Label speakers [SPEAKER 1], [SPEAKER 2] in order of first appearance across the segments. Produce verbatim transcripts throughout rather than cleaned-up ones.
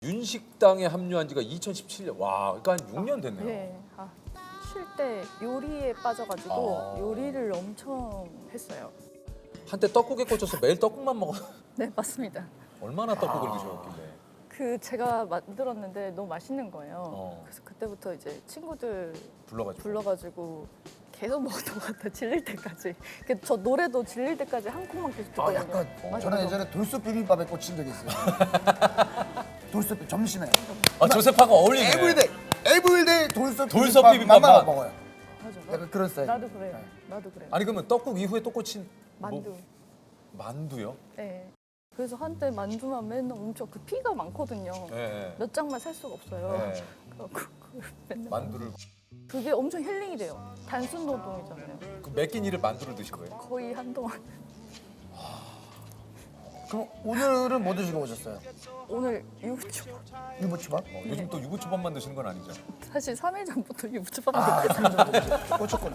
[SPEAKER 1] 윤식당에 합류한 지가 이천십칠 년. 와, 그러니까 한 육 년 됐네요.
[SPEAKER 2] 네. 아, 쉴 때 요리에 빠져가지고
[SPEAKER 1] 아.
[SPEAKER 2] 요리를 엄청 했어요.
[SPEAKER 1] 한때 떡국에 꽂혀서 매일 떡국만 먹어.
[SPEAKER 2] 네, 맞습니다.
[SPEAKER 1] 얼마나 떡국을 드셨길래.
[SPEAKER 2] 그 제가 만들었는데 너무 맛있는 거예요.
[SPEAKER 1] 어.
[SPEAKER 2] 그래서 그때부터 이제 친구들
[SPEAKER 1] 불러가지고.
[SPEAKER 2] 불러가지고 계속 먹었던 것 같아요. 질릴 때까지. 그 저 노래도 질릴 때까지 한 콩만 계속 듣거든요.
[SPEAKER 3] 아, 약간
[SPEAKER 1] 어.
[SPEAKER 2] 맞아요.
[SPEAKER 3] 저는 예전에 돌솥 비빔밥에 꽂힌 적이 있어요. 돌솥 점심에.
[SPEAKER 1] 아, 조세파가 어울리네.
[SPEAKER 3] 에브리데이, 에브리데이 돌솥
[SPEAKER 1] 돌솥
[SPEAKER 3] 비빔밥만
[SPEAKER 1] 비빔밥만
[SPEAKER 3] 먹어요.
[SPEAKER 2] 맞아.
[SPEAKER 3] 약간 그런 스타일.
[SPEAKER 2] 나도 그래요.
[SPEAKER 3] 네.
[SPEAKER 2] 나도 그래요.
[SPEAKER 1] 아니 그러면 떡국 이후에 또 꽂힌
[SPEAKER 2] 만두.
[SPEAKER 1] 뭐, 만두요?
[SPEAKER 2] 네. 그래서 한때 만두만 맨날 엄청 그 피가 많거든요.
[SPEAKER 1] 네.
[SPEAKER 2] 몇 장만 살 수가 없어요.
[SPEAKER 1] 네.
[SPEAKER 2] 그래갖고 그걸 맨날
[SPEAKER 1] 만두를
[SPEAKER 2] 그게 엄청 힐링이 돼요. 단순 노동이잖아요.
[SPEAKER 1] 그 몇끼 일을 만두를 드신 거예요?
[SPEAKER 2] 거의 한동안.
[SPEAKER 3] 그럼 오늘은 뭐 드시고 오셨어요?
[SPEAKER 2] 오늘 유부초밥.
[SPEAKER 3] 유부초밥?
[SPEAKER 1] 어, 요즘 또 유부초밥만 드시는 건 아니죠?
[SPEAKER 2] 사실 삼 일 전부터 유부초밥
[SPEAKER 3] 아,
[SPEAKER 2] 먹고
[SPEAKER 3] 꽂혔구나.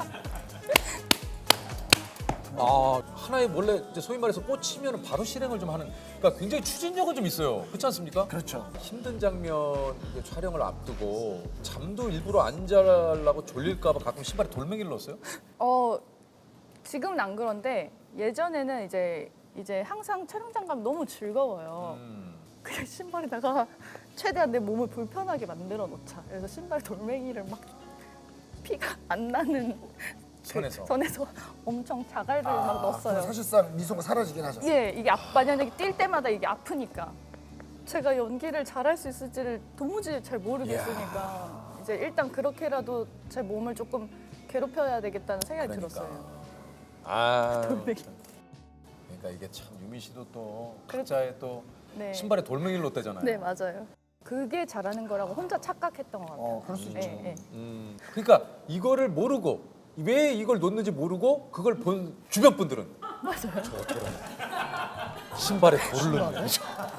[SPEAKER 1] 아, 하나에 원래 이제 소위 말해서 꽂히면 바로 실행을 좀 하는. 그러니까 굉장히 추진력은 좀 있어요. 그렇지 않습니까?
[SPEAKER 3] 그렇죠.
[SPEAKER 1] 힘든 장면 이제 촬영을 앞두고 잠도 일부러 안 자려고 졸릴까봐 가끔 신발에 돌멩이를 넣었어요?
[SPEAKER 2] 어 지금은 안 그런데 예전에는 이제 이제 항상 촬영장 가면 너무 즐거워요.
[SPEAKER 1] 음.
[SPEAKER 2] 그냥 신발에다가 최대한 내 몸을 불편하게 만들어 놓자. 그래서 신발 돌멩이를 막 피가 안 나는 그
[SPEAKER 1] 선에서.
[SPEAKER 2] 선에서 엄청 자갈을 막
[SPEAKER 3] 그럼
[SPEAKER 2] 넣었어요.
[SPEAKER 3] 사실상 미소가 사라지긴 하죠.
[SPEAKER 2] 예, 이게 아, 만약에 뛸 때마다 이게 아프니까 제가 연기를 잘할 수 있을지를 도무지 잘 모르겠으니까 이제 일단 그렇게라도 제 몸을 조금 괴롭혀야 되겠다는 생각이
[SPEAKER 1] 그러니까.
[SPEAKER 2] 들었어요.
[SPEAKER 1] 아.
[SPEAKER 2] 돌멩이.
[SPEAKER 1] 참. 그러니까 이게 참 유미 씨도 또
[SPEAKER 2] 그래-
[SPEAKER 1] 각자의 또
[SPEAKER 2] 네.
[SPEAKER 1] 신발에 돌멩이를 넣었대잖아요.
[SPEAKER 2] 네, 맞아요. 그게 잘하는 거라고 혼자 착각했던 것 같아요.
[SPEAKER 3] 어, 그럴 수 있죠.
[SPEAKER 2] 예, 예.
[SPEAKER 1] 음. 그러니까 이거를 모르고 왜 이걸 놓는지 모르고 그걸 본 주변 분들은
[SPEAKER 2] 맞아요.
[SPEAKER 1] 저 저런 신발에 돌을 넣는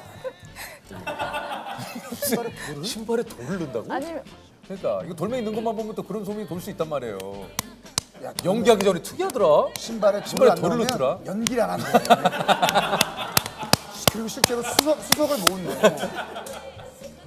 [SPEAKER 1] 신발에 돌을 신발에 돌을 넣는다고?
[SPEAKER 2] 아니면
[SPEAKER 1] 그러니까 이거 돌멩이 넣는 것만 보면 또 그런 소문이 돌 수 있단 말이에요.
[SPEAKER 3] 야,
[SPEAKER 1] 연기하기 전에 특이하더라.
[SPEAKER 3] 신발에
[SPEAKER 1] 신발에
[SPEAKER 3] 돌을 안
[SPEAKER 1] 돌을
[SPEAKER 3] 넣으면
[SPEAKER 1] 넣더라.
[SPEAKER 3] 연기를 안 하는 거예요. 그리고 실제로 수석, 수석을 모은대요.